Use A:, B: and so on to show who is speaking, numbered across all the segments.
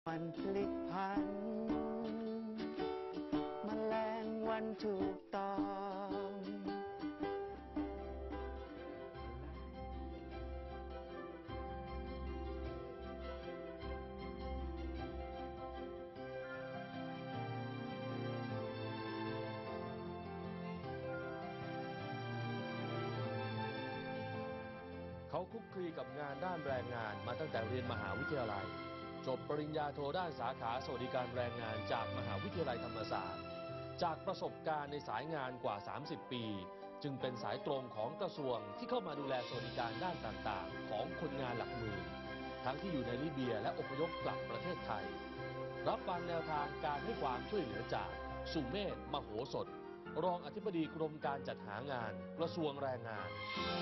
A: วันพลิกผันแมลงวันถูกต้อง
B: เขาคลุกคลีกับงานด้านแรงงานมาตั้งแต่เรียนมหาวิทยาลัยจบปริญญาโทด้านสาขาสวัสดิการแรงงานจากมหาวิทยาลัยธรรมศาสตร์จากประสบการณ์ในสายงานกว่า 30 ปีจึงเป็นสายตรงของกระทรวงที่เข้ามาดูแลสวัสดิการด้านต่างๆของคนงานหลักหมื่นทั้งที่อยู่ในลิเบียและอพยพกลับประเทศไทยรับฟังแนวทางการให้ความช่วยเหลือจากสุเมธ มโหสถรองอธิบดีกรมการจัดหางานกระทรวงแรงงาน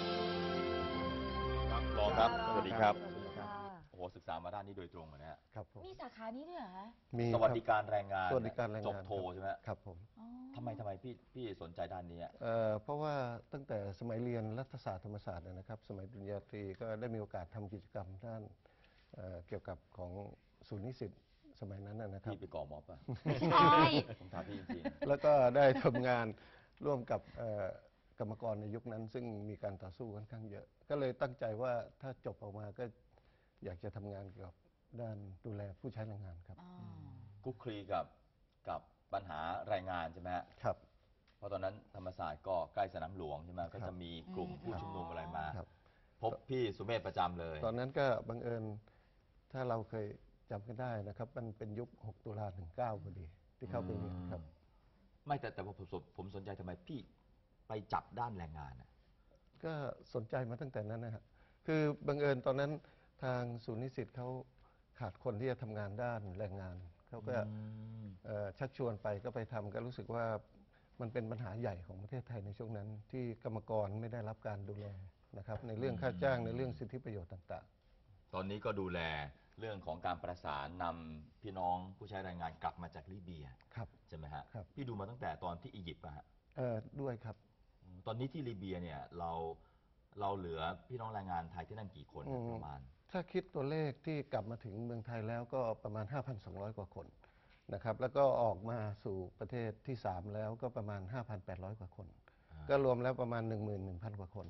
C: ครับรองครับสวัสดีครับ
D: โอ้โหศึกษามาด้านนี้โดยตรงนะฮะ
E: ครับผม
D: มีสาขานี้ด้วยเหรอคะ
E: มี
C: สวัสดิการแรงงาน
E: สวัสดิการแรงงาน
C: จบโทใช่ไหม
E: ครับผม
C: ทำไมพี่สนใจด้านนี้
E: เพราะว่าตั้งแต่สมัยเรียนรัฐศาสตร์ธรรมศาสตร์นะครับ สมัยปริญญาตรีก็ได้มีโอกาสทำกิจกรรมด้านเกี่ยวกับของศูนย์นิสิตสมัยนั้นนะครับ
C: พี่ไปก่อม็อบป่ะ
D: ใช่
C: ผมถามพี่จริง
E: ๆแล้วก็ได้ทำงานร่วมกับกรรมกรในยุคนั้นซึ่งมีการต่อสู้ค่อนข้างเยอะก็เลยตั้งใจว่าถ้าจบออกมาก็อยากจะทำงานเกี่ยวกับด้านดูแลผู้ใช้แรงงานครับ
C: คุกคลีกับปัญหาแรงงานใช่ไหม
E: ครับ
C: เพราะตอนนั้นธรรมศาสตร์ก็ใกล้สนามหลวงใช่ไหมก็จะมีกลุ่มผู้ชุมนุมอะไรมาพบพี่สุเมธประจำเลย
E: ตอนนั้นก็บังเอิญถ้าเราเคยจำกันได้นะครับมันเป็นยุค6 ตุลา 19พอดีที่เข้าไปเรียนครับ
C: ไม่แต่ผมสนใจทำไมพี่ไปจับด้านแรงงาน
E: ก็สนใจมาตั้งแต่นั้นนะครับคือบังเอิญตอนนั้นทางศูนย์นิสิตเขาขาดคนที่จะทำงานด้านแรงงานเขาก็ชักชวนไปก็ไปทำก็รู้สึกว่ามันเป็นปัญหาใหญ่ของประเทศไทยในช่วงนั้นที่กรรมกรไม่ได้รับการดูแลนะครับในเรื่องค่าจ้างในเรื่องสิทธิประโยชน์ต่าง
C: ๆตอนนี้ก็ดูแลเรื่องของการประสานนำพี่น้องผู้ใช้แรงงานกลับมาจากลิเบียใช่ไหมฮะพี่ดูมาตั้งแต่ตอนที่อียิปต์ป่ะฮะ
E: ด้วยครับ
C: ตอนนี้ที่ลิเบียเนี่ยเราเหลือพี่น้องแรงงานไทยที่นั่นกี่คนประมาณ
E: ถ้าคิดตัวเลขที่กลับมาถึงเมืองไทยแล้วก็ประมาณ 5,200 กว่าคนนะครับแล้วก็ออกมาสู่ประเทศที่3แล้วก็ประมาณ 5,800 กว่าคนก็รวมแล้วประมาณ 11,000 กว่าคน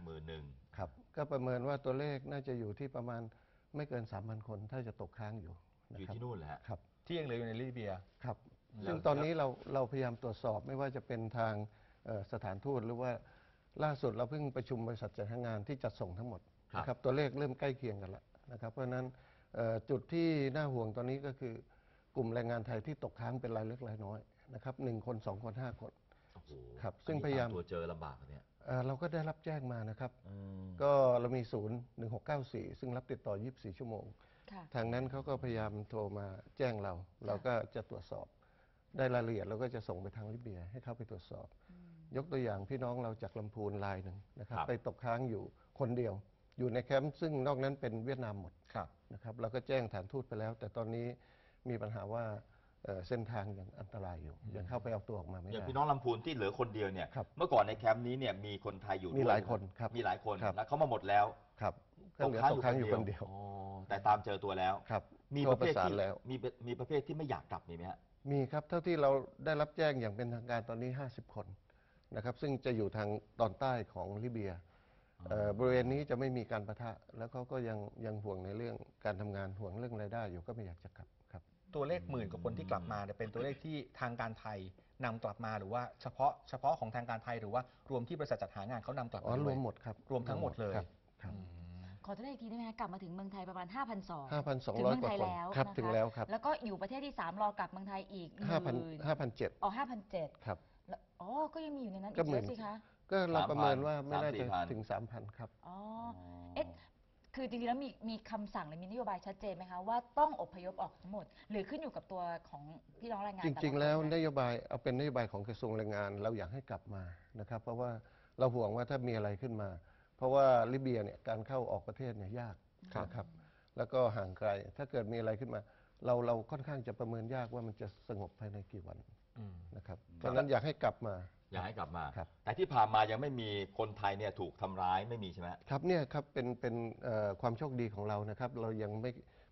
C: 11,000
E: ครับก็ประเมินว่าตัวเลขน่าจะอยู่ที่ประมาณไม่เกิน 3,000 คนถ้าจะตกค้างอยู่
C: ที่นู่นแหละ
E: ครับ
F: ที่ยังเหลืออยู่ในลิเบีย
E: ครับซึ่งตอนนี้เราพยายามตรวจสอบไม่ว่าจะเป็นทางสถานทูตหรือว่าล่าสุดเราเพิ่งประชุมบริษัทจัดหางานที่จัดส่งทั้งหมดนะครับตัวเลขเริ่มใกล้เคียงกันแล้วนะครับเพราะฉะนั้นจุดที่น่าห่วงตอนนี้ก็คือกลุ่มแรงงานไทยที่ตกค้างเป็นรายเล็กรายน้อยนะครับ1 คน 2 คน 5 คนครับซึ่งพยายาม
C: ตัวเจอลำบากเนี่ย
E: เราก็ได้รับแจ้งมานะครับก็เรามีศูนย์1694ซึ่งรับติดต่อ24 ชั่วโมงทางนั้นเขาก็พยายามโทรมาแจ้งเราก็จะตรวจสอบได้รายละเอียดเราก็จะส่งไปทางลิเบียให้เข้าไปตรวจสอบยกตัวอย่างพี่น้องเราจากลำพูนรายหนึ่งนะครับไปตกค้างอยู่คนเดียวอยู่ในแคมป์ซึ่งนอกนั้นเป็นเวียดนามหมดนะครับเราก็แจ้งฐานทูตไปแล้วแต่ตอนนี้มีปัญหาว่าเส้นทางยังอันตรายอยู่ยังเข้าไปเอาตัวออกมาไม่ได้
C: อย่างพี่น้องลำพูนที่เหลือคนเดียวเนี่ยเมื่อก่อนในแคมป์นี้เนี่ยมีคนไทยอยู่
E: มีหลายคนครับ
C: มีหลายคนแล้วเขามาหมดแล้ว
E: ครับก็เหลือตกค้างอยู่คนเดียว
C: แต่ตามเจอตัวแล้ว
E: ครับ
C: มีประเภทที่มีประเภทที่ไม่อยากกลับมีไหมฮะ
E: มีครับเท่าที่เราได้รับแจ้งอย่างเป็นทางการตอนนี้50 คนนะครับซึ่งจะอยู่ทางตอนใต้ของลิเบียบริเวณนี้จะไม่มีการปะทะแล้วเขาก็ยังห่วงในเรื่องการทำงานห่วงเรื่องรายได้อยู่ก็ไม่อยากจะกลับครับ
F: ตัวเลข10,000 กว่าคนที่กลับมาเป็นตัวเลขที่ทางการไทยนำกลับมาหรือว่าเฉพาะของทางการไทยหรือว่ารวมที่บริษัทจัดหางานเขานำกลับมาร
E: วมหมดครับ
F: รวมทั้งหมดเลย
D: ขอตัวเลขอีกทีได้ไหมคะกลับมาถึงเมืองไทยประมาณ
E: 5,200
D: ถึงเมืองไทยแล้ว
E: ครับถึงแล้วครับ
D: แล้วก็อยู่ประเทศที่3รอกลับเมืองไทยอีก
E: 5,700
D: อ๋อ 5,700
E: ครับ
D: อ๋อก็ยังมีอยู่ในนั้นอีกเยอะสิคะ
E: ก็เราประเมินว่าไม่น่าจะถึง 3,000 ครับ
D: อ๋อคือจริงๆแล้วมีคำสั่งหรือมีนโยบายชัดเจนไหมคะว่าต้องอพยพออกทั้งหมดหรือขึ้นอยู่กับตัวของพี่น้องแรงงาน
E: จริงๆแล้วนโยบายเอาเป็นนโยบายของกระทรวงแรงงานเราอยากให้กลับมานะครับเพราะว่าเราห่วงว่าถ้ามีอะไรขึ้นมาเพราะว่าลิเบียเนี่ยการเข้าออกประเทศเนี่ยยากนะครับแล้วก็ห่างไกลถ้าเกิดมีอะไรขึ้นมาเราค่อนข้างจะประเมินยากว่ามันจะสงบภายในกี่วันนะครับเพราะฉะนั้นอยากให้กลับมา
C: แต่ที่ผ่านมายังไม่มีคนไทยเนี่ยถูกทำร้ายไม่มีใช่ไหม
E: ครับเนี่ยครับเป็นความโชคดีของเรานะครับเรายัง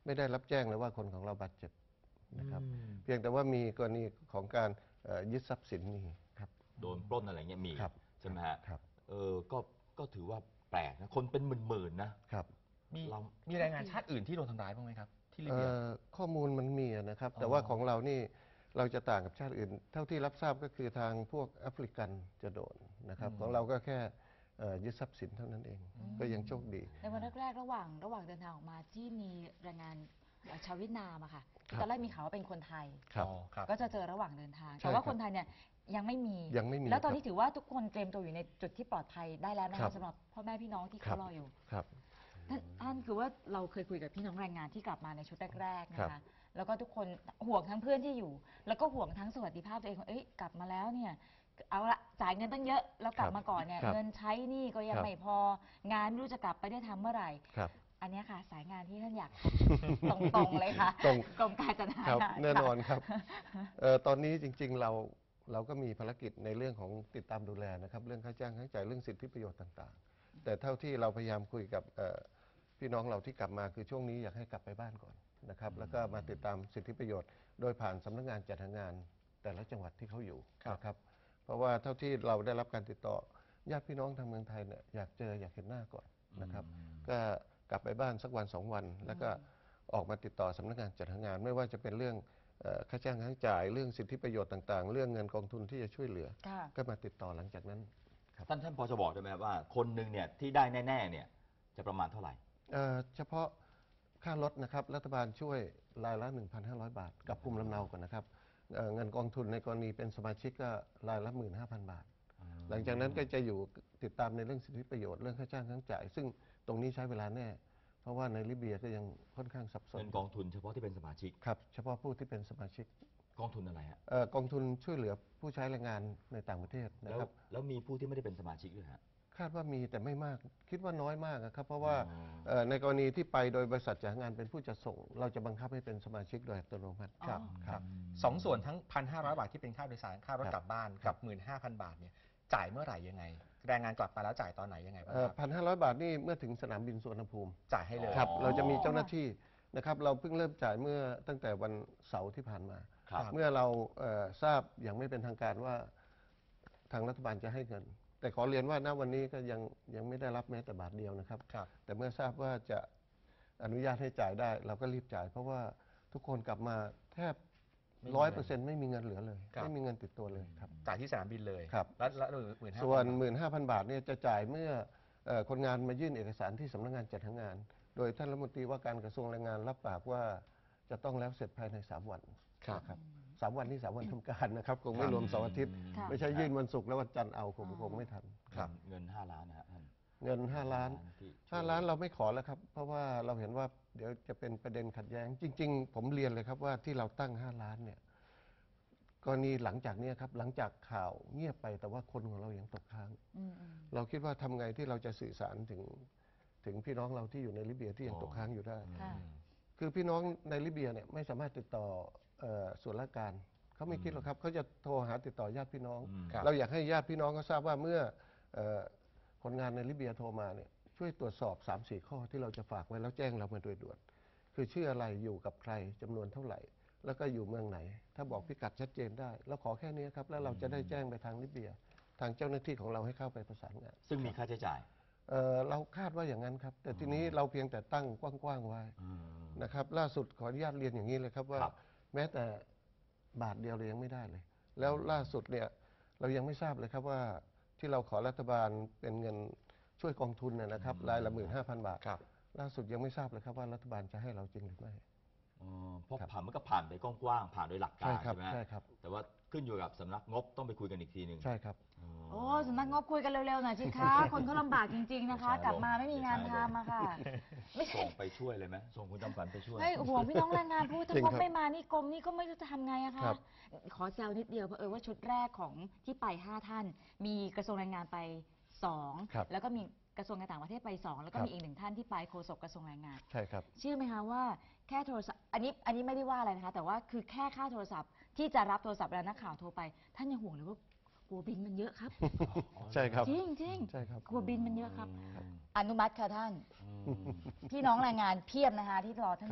E: ไม่ได้รับแจ้งเลยว่าคนของเราบาดเจ็บนะครับเพียงแต่ว่ามีกรณีของการยึดทรัพย์สินมีครับ
C: โดนปล้นอะไรเงี้ยมี
E: ครับ
C: ใช่ไหมฮะ
E: ครับ
C: ก็ถือว่าแปลกนะคนเป็นหมื่นๆนะครับ
F: มี
C: เรา
F: มีแรงงานชาติอื่นที่โดนทำร้ายบ้างไหมครับ ที่ลิเบีย
E: ข้อมูลมันมีนะครับ
F: อ๋อ
E: แต่ว่าของเรานี่เราจะต่างกับชาติอื่น เท่าที่รับทราบก็คือทางพวกแอฟริกันจะโดนนะครับ ของเราก็แค่ยึดทรัพย์สินเท่านั้นเอง ก็ยังโชคดี
D: ในวันแรกๆระหว่างเดินทางออกมาที่มีแรงงานชาวเวียดนามอะค่ะ
E: ครับ
D: ตอนแรกมีข่าวว่าเป็นคนไทย
E: ครับ
F: อ๋อครับ
D: ก็จะเจอระหว่างเดินทาง
E: ใช่
D: แต่ว่า
E: ครับ
D: คนไทยเนี่ยยังไม่มี
E: ยังไม่มี
D: แล้วตอนนี้
E: ครับ
D: ถือว่าทุกคนเตรียมตัวอยู่ในจุดที่ปลอดภัยได้แล้วนะ
E: ครั
D: คะ
E: บ
D: สำหรับพ่อแม่พี่น้องที่
E: ครั
D: เขา
E: บ
D: รออยู่
E: ครับ
D: ท่านคือว่าเราเคยคุยกับพี่น้องแรงงานที่กลับมาในชุดแรกๆนะ
E: ครั
D: คะ
E: บ
D: แล้วก็ทุกคนห่วงทั้งเพื่อนที่อยู่ แล้วก็ห่วงทั้งสวัสดิภาพตัวเองว่าเอ้ยกลับมาแล้วเนี่ยเอาละจ่ายเงินตั้งเยอะแล้วกลับมาก่อนเนี่ย
E: ครับ
D: เงินใช้หนี่ก็ยัง
E: ครับ
D: ไม่พองานไม่รู้จะกลับไปได้ทำเมื่อไหร่
E: ครับ
D: อันเนี้ยค่ะ สายงานที่ท่านอยาก ตรงๆเลยค่ะ
E: ตรง
D: กรมการจัดหา
E: ครับ
D: งาน
E: แน่นอน
D: ค่ะ
E: ครับตอนนี้จริงๆเราก็มีภารกิจในเรื่องของติดตามดูแลนะครับ เรื่องค่าจ้างค่าจ่ายเรื่องสิทธิประโยชน์ต่างๆ แต่เท่าที่เราพยายามคุยกับพี่น้องเราที่กลับมาคือช่วงนี้อยากให้กลับไปบ้านก่อนนะครับ แล้วก็มาติดตามสิทธิประโยชน์ โดยผ่านสำนักงานจัดหางานแต่ละจังหวัดที่เขาอยู่นะครับ เพราะว่าเท่าที่เราได้รับการติดต่อญาติพี่น้องทางเมืองไทยเนี่ยอยากเจออยากเห็นหน้าก่อนนะครับ ก็กลับไปบ้านสักวัน2 วัน แล้วก็ออกมาติดต่อสำนักงานจัดหางาน ไม่ว่าจะเป็นเรื่องค่าจ้างค่าจ่ายเรื่องสิทธิประโยชน์ต่างๆ เรื่องเงินกองทุนที่จะช่วยเหลือ
D: ค่ะ
E: ก็มาติดต่อหลังจากนั้น
C: ท่านพอจะบอกได้ไหมครับว่าคนหนึ่งเนี่ยที่ได้แน่ๆเนี่ยจะประมาณเท่าไหร่
E: เฉพาะค่ารถนะครับรัฐบาลช่วยรายละ 1,500 บาท กับภูมิลำเนาก่อนนะครับเงินกองทุนในกรณีเป็นสมาชิกก็รายละ 15,000 บาท หลังจากนั้นก็จะอยู่ติดตามในเรื่องสิทธิประโยชน์เรื่องค่าจ้างค่าจ่าย ซึ่งตรงนี้ใช้เวลาแน่ เพราะว่าในลิเบียก็ยังค่อนข้างสับสน
C: เงินกองทุนเฉพาะที่เป็นสมาชิก
E: ครับเฉพาะผู้ที่เป็นสมาชิก
C: กองทุนอะไรฮะ
E: กองทุนช่วยเหลือผู้ใช้แรงงานในต่างประเทศนะ
C: แล้ว
E: ครับ
C: แล้วมีผู้ที่ไม่ได้เป็นสมาชิกด้วยฮะ
E: คาดว่ามีแต่ไม่มากคิดว่าน้อยมากนะครับ เพราะว่า
C: อ๋อ
E: ในกรณีที่ไปโดยบริษัทจัดหางานเป็นผู้จัดส่ง เราจะบังคับให้เป็นสมาชิกโดยอัตโนมัติ
F: ครับ
E: ครับ
F: สองส่วนทั้ง 1,500 บาทที่เป็นค่าโดยสารค่ารถ
E: ครับ
F: กลับบ้านกับ 15,000 บาทเนี่ยจ่ายเมื่อไหร่ยังไง แรงงานกลับมาแล้วจ่ายตอนไหนยังไงบ้างครับ
E: 1,500 บาทนี่เมื่อถึงสนามบินสุวรรณภูมิ
F: จ่ายให้เลย
E: ครับ
C: อ๋อ
E: เราจะมีเจ้าหน้าที่นะครับ เราเพิ่งเริ่มจ่ายเมื่อตั้งแต่วันเสาร์ที่ผ่านมา
C: ครับ
E: เมื่อเราทราบอย่างไม่เป็นทางการว่าทางรัฐบาลจะให้เงิน แต่ขอเรียนว่าณวันนี้ก็ยังไม่ได้รับแม้แต่บาทเดียวนะครับ
F: ครับ
E: แต่เมื่อทราบว่าจะอนุญาตให้จ่ายได้ เราก็รีบจ่าย เพราะว่าทุกคนกลับมาแทบ
F: ไม่มีเงิน
E: 100%ไม่มีเงินเหลือเลย
F: ครับ
E: ไม่มีเงินติดตัวเลยครับ
F: จ่ายที่สนามบินเลย
E: ครับ
F: แล้ว15,000
E: ส่วน 15,000 บาทเนี่ยจะจ่ายเมื่อคนงานมายื่นเอกสารที่สำนักงานจัดหางาน โดยท่านรัฐมนตรีว่าการกระทรวงแรงงานรับปากว่าจะต้องแล้วเสร็จภายใน 3 วัน
F: ครับ
E: นะครับ3 วันนี่3 วันทำการนะครับคงไม่รวมเสาร์อาทิตย์
D: ค่ะ
E: ไม่ใช่ยื่นวันศุกร์แล้ววันจันทร์เอาคงไม่ทัน
F: ครับ
C: เงิน5 ล้านนะฮะท่าน
E: เงิน 5 ล้าน
C: ที่ช่วย
E: 5 ล้านเราไม่ขอแล้วครับ เพราะว่าเราเห็นว่าเดี๋ยวจะเป็นประเด็นขัดแย้ง จริง ๆ ผมเรียนเลยครับว่าที่เราตั้ง 5 ล้านเนี่ยกรณีหลังจากเนี้ครับหลังจากข่าวเงียบไปแต่ว่าคนของเรายังตกค้าง เราคิดว่าทำไงที่เราจะสื่อสารถึงพี่น้องเราที่อยู่ในลิเบียที่ยังตกค้างอยู่ได้
D: ค่ะ
E: คือพี่น้องในลิเบียเนี่ยไม่สามารถติดต่อส่วนราชการเขาไม่คิดหรอกครับเขาจะโทรหาติดต่อญาติพี่น้อง
F: ครับ
E: เราอยากให้ญาติพี่น้องเขาทราบว่าเมื่อคนงานในลิเบียโทรมาเนี่ยช่วยตรวจสอบ 3-4 ข้อที่เราจะฝากไว้แล้วแจ้งเรามาโดยด่วนคือชื่ออะไรอยู่กับใครจำนวนเท่าไหร่ แล้วก็อยู่เมืองไหน ถ้าบอกพิกัดชัดเจนได้เราขอแค่นี้ครับแล้วเราจะได้แจ้งไปทางลิเบีย ทางเจ้าหน้าที่ของเราให้เข้าไปประสานงาน
C: ซึ่งมีค่าใช้จ่าย
E: เราคาดว่าอย่างนั้นครับ แต่ทีนี้เราเพียงแต่ตั้งกว้างๆไว้นะครับ ล่าสุดขออนุญาตเรียนอย่างนี้เลยครับว่า
C: ครับ
E: แม้แต่บาทเดียวเรายังไม่ได้เลย แล้วล่าสุดเนี่ยเรายังไม่ทราบเลยครับว่าที่เราขอรัฐบาลเป็นเงินช่วยกองทุนนะครับรายละ 15,000 บาท
F: ครับ
E: ล่าสุดยังไม่ทราบเลยครับว่ารัฐบาลจะให้เราจริงหรือไม่
C: เพราะผ่านมันก็ผ่านไปกว้างๆผ่านโดยหลักการ
E: ใช่ครับ
C: ใช่ไหมฮะ
E: ใช่ครับ
C: แต่ว่าขึ้นอยู่กับสำนักงบต้องไปคุยกันอีกทีหนึ่ง
E: ใช่ครับ
D: โอ้สำนักงบคุยกันเร็วๆหน่อยสิคะ คนเขาลำบากจริงๆนะคะ กลับมาไม่มีงานทำอะค่ะ ไม่ใช่
C: ส่งไปช่วยเลยไหมส่งคุณจำฝันไปช่วย
D: ไม่ห่วงพี่น้องแรงงานพูดถ้า
E: จริง
D: งบ
E: ครับ
D: ไม่มานี่กรมนี่ก็ไม่รู้จะทำไงอะ
E: ครั
D: คะ
E: บ
D: ขอแซวนิดเดียวเพราะว่าชุดแรกของที่ไป5 ท่าน มีกระทรวงแรงงานไป
E: ครับ
D: 2 แล้วก็มีกระทรวงการต่างประเทศไป 2 แล้วก็
E: ครับ
D: มีอีก1 ท่านที่ไปโฆษกกระทรวงแรงงาน
E: ใช่ครับ
D: เชื่อไหมคะว่าแค่โทรศัพท์อันนี้ไม่ได้ว่าอะไรนะคะ แต่ว่าคือแค่ค่าโทรศัพท์ที่จะรับโทรศัพท์เวลานักข่าวโทรไป ท่านยังห่วงเลยว่ากลัวบินมันเยอะครับ
E: ใช่ครับ
D: จริงจริง
E: ใช่ครับ
D: กลัวบินมันเยอะครับ อนุมัติค่ะท่าน พี่น้องแรงงานเพียบนะคะที่รอท่านอยู่ ข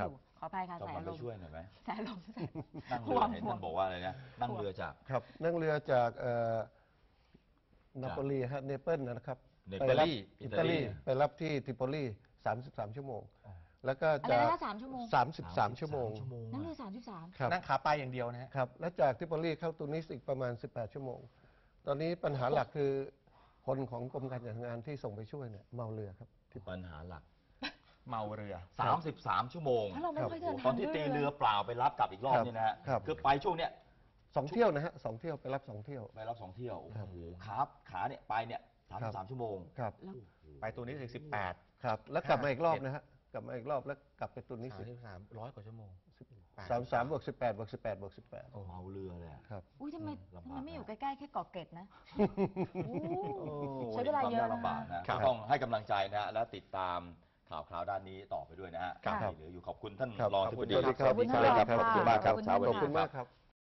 D: ออภัยค่ะ
C: ต้อง
D: สาย
C: มา
D: ล
C: ไป
D: ม
C: ช่วยหน่อยไหม
D: สายลม
C: นั่งเรือเห็นท่านบอกว่าอะไรนะนั่งเรือจาก
E: ครับนั่งเรือจากนาโปลีฮะเนเปิลนะครับ
C: เน
E: ไป
C: เปิล
E: รับ
C: อิ
E: อิ
C: ตา
E: ตา
C: ลี
E: ลีไปรับที่ทริโปลี33 ชั่วโมง แล้วก็
D: อะไร
E: จาก
D: นะคะ3 ชั่วโมง
E: 33 ชั่วโมง
D: นั่นคือ33
E: ครับ
F: นั่งขาไปอย่างเดียวนะฮะ
E: ครับ และจากทริโปลีเข้าตูนิสอีกประมาณ 18 ชั่วโมง ตอนนี้ปัญหาหลักคือคนของกรมการจัดงานที่ส่งไปช่วยเนี่ยเมาเรือครับ
C: ปัญหาหลัก
F: เมาเรือ
C: 33 ชั่วโมง
D: เพราะเราไม่ค่อยเดิน
C: ตอ
D: ทาน ง
C: ที่
D: ด้วย
C: ตี
D: เล
C: เรือย เปล่าไปรับกลับอีกรอบนี่นะฮะ
E: ครับ
C: คือไปช่วงเนี้ย
E: 2 เที่ยวนะฮะ2 เที่ยวไปรับ 2 เที่ยว
C: ไปรับ2 เที่ยว โอ้
E: ครับ
C: โหขาเนี่ยไปเนี่ย33 ชั่วโมง
E: ครับ
F: ไปตัวนี้ถึง18
E: ครับ แล้วกลับมาอีกรอบนะฮะ กลับมาอีกรอบแล้วกลับไปตูนิสอีก
F: 33 100 กว่าชั่วโมง
E: 33บวก18บวก18บวก18
C: เมาเรือเลยอะ
E: ครับ
D: อุ้ยทำไม
C: ลำบาก
D: ไม่อยู่ใกล้ๆแค่เกาะเกร็ดนะโอ้
C: โอ้
D: ใช้เวลาเยอะ
C: ควมกลำบาก
D: นะ
C: นะต้องให้กำลังใจนะฮะและติดตามข่าวคราวด้านนี้ต่อไปด้วยนะฮะ
D: ครับ
C: ที่เหลืออยู่ขอบคุณท่าน
E: ครับ
C: รองอธิบดี
E: ขอบคุณครับ
C: สวัสดีครับ
D: ขอบคุณ
C: ขอบคุณมากครับ
D: ขอบคุณ
C: เช้าวัน
D: ขอบ
C: นี้
E: ขอบคุณมากครับ